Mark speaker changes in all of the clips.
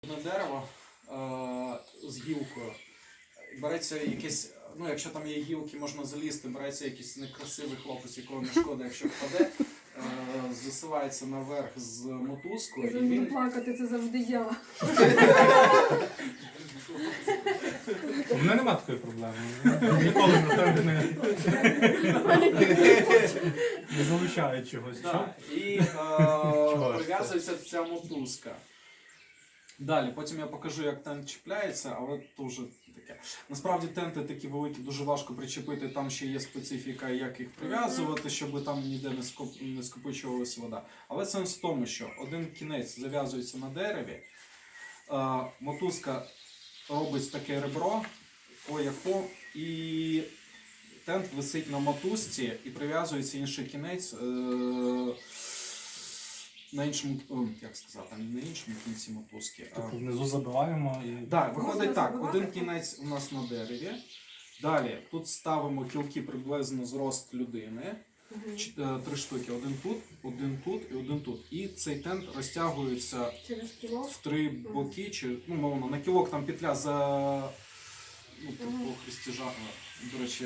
Speaker 1: На дерево з гілкою. Береться якесь, ну якщо там є гілки, можна залізти, береться якийсь некрасивий хлопець, якого не шкода, якщо впаде, засувається наверх з мотузкою.
Speaker 2: І він... плакати, це завжди я.
Speaker 3: У мене немає такої проблеми. Ніколи на тебе не залучають чогось.
Speaker 1: Да. І прив'язується ця мотузка. Далі, потім я покажу, як тент чіпляється, але то вже таке. Насправді тенти такі великі, дуже важко причепити, там ще є специфіка, як їх прив'язувати, щоб там ніде не скопичувалася вода. Але сенс в тому, що один кінець зав'язується на дереві, мотузка робить таке ребро, по і тент висить на мотузці і прив'язується інший кінець на іншому, як сказати, не на іншому кінці мотузки.
Speaker 3: Тобто внизу забиваємо і...
Speaker 1: Так, виходить так, один кінець у нас на дереві. Далі тут ставимо кілки приблизно зрост людини. 3 штуки. Один тут і один тут. І цей тент розтягується в 3 боки, чи, ну, мовно, на кілок там петля за, ну, по хрестежа, до речі,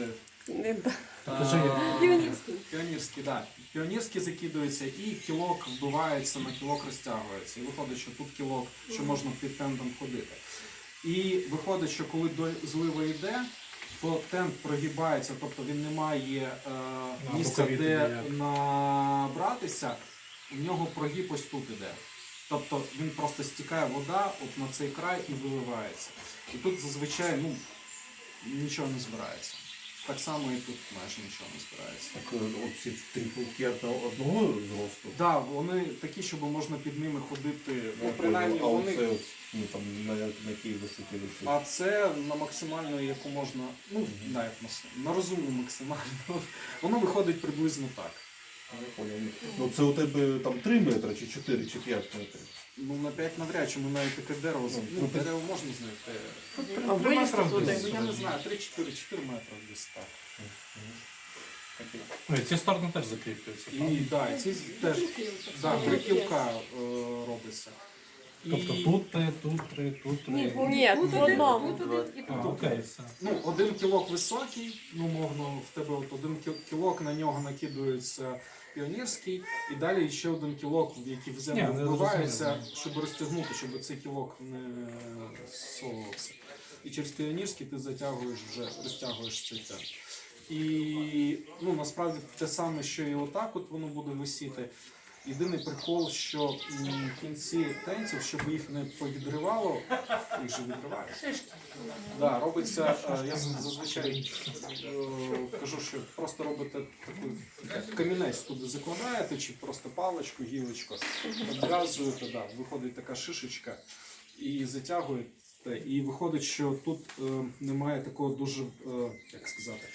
Speaker 1: піонерський, так. Піонерський закидується і кілок вбивається, на кілок розтягується. І виходить, що тут кілок, що можна під тентом ходити. І виходить, що коли злива йде, то тент прогибається, тобто він не має місця, де набратися, у нього прогиб ось тут іде. Тобто він просто стікає вода от на цей край і виливається. І тут зазвичай нічого не збирається. Так само і тут майже нічого не збирається.
Speaker 4: Так оці 3 кілки одного зросту?
Speaker 1: Так, да, вони такі, щоб можна під ними ходити. Ну, принаймні,
Speaker 4: а
Speaker 1: вони...
Speaker 4: оце ну, там, на якій висоті висить?
Speaker 1: А це на максимальну, яку можна, ну, на розумну максимальну. Воно виходить приблизно так.
Speaker 4: Ну це у тебе там 3 метри, чи 4, чи 5 метрів?
Speaker 1: Ну на 5 навряд чи ми навіть таке дерево, ну, дерево можна знайти.
Speaker 3: А 3 метри
Speaker 1: Ну, я не знаю, 3-4 метри десь так.
Speaker 3: Ну, і ці сторони теж закріплюються.
Speaker 1: І да, ці теж, да, 3 кілка робиться.
Speaker 3: Тобто тут 3, тут 3, тут 3.
Speaker 2: Ні, в одному.
Speaker 3: Окей, все.
Speaker 1: Ну, 1 кілок високий, ну, мовно, в тебе от 1 кілок, на нього накидується піонерський, і далі ще 1 кілок, який в землю вбивається, щоб розтягнути, щоб цей кілок не совувався. І через піонерський ти розтягуєш цей тент. І, ну, насправді те саме, що і отак от воно буде висіти. Єдиний прикол, що в кінці тентів, щоб їх не повідривало, їх же відривають. Да, робиться, я зазвичай кажу, що просто робите такий камінець туди закладаєте, чи просто паличку, гілочку, обв'язуєте, да, виходить така шишечка і затягуєте. І виходить, що тут немає такого дуже, як сказати,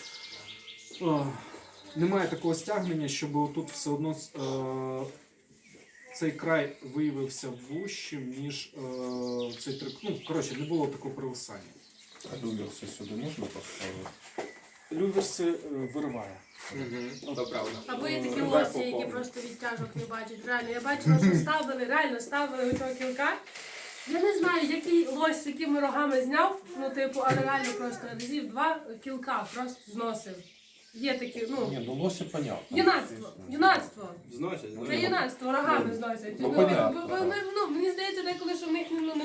Speaker 1: немає такого стягнення, щоб тут все одно цей край виявився вужчим, ніж цей трик. Ну, коротше, не було такого провисання.
Speaker 4: А люверси сюди можна поставити?
Speaker 1: Люверси вириває.
Speaker 5: Це правда.
Speaker 2: Або є такі лосі, які просто відтяжок не бачать. Реально, я бачила, що ставили цього кілка. Я не знаю, який лось з якими рогами зняв, ну типу, але реально просто разів 2 кілка просто зносив. Є такі, ну...
Speaker 4: Ні, ну лосі понятно.
Speaker 2: Юнацтво.
Speaker 5: Зносять,
Speaker 2: Це юнацтво, рогами зносять.
Speaker 4: Ну, понятно.
Speaker 2: Мені здається, деколи, що в них не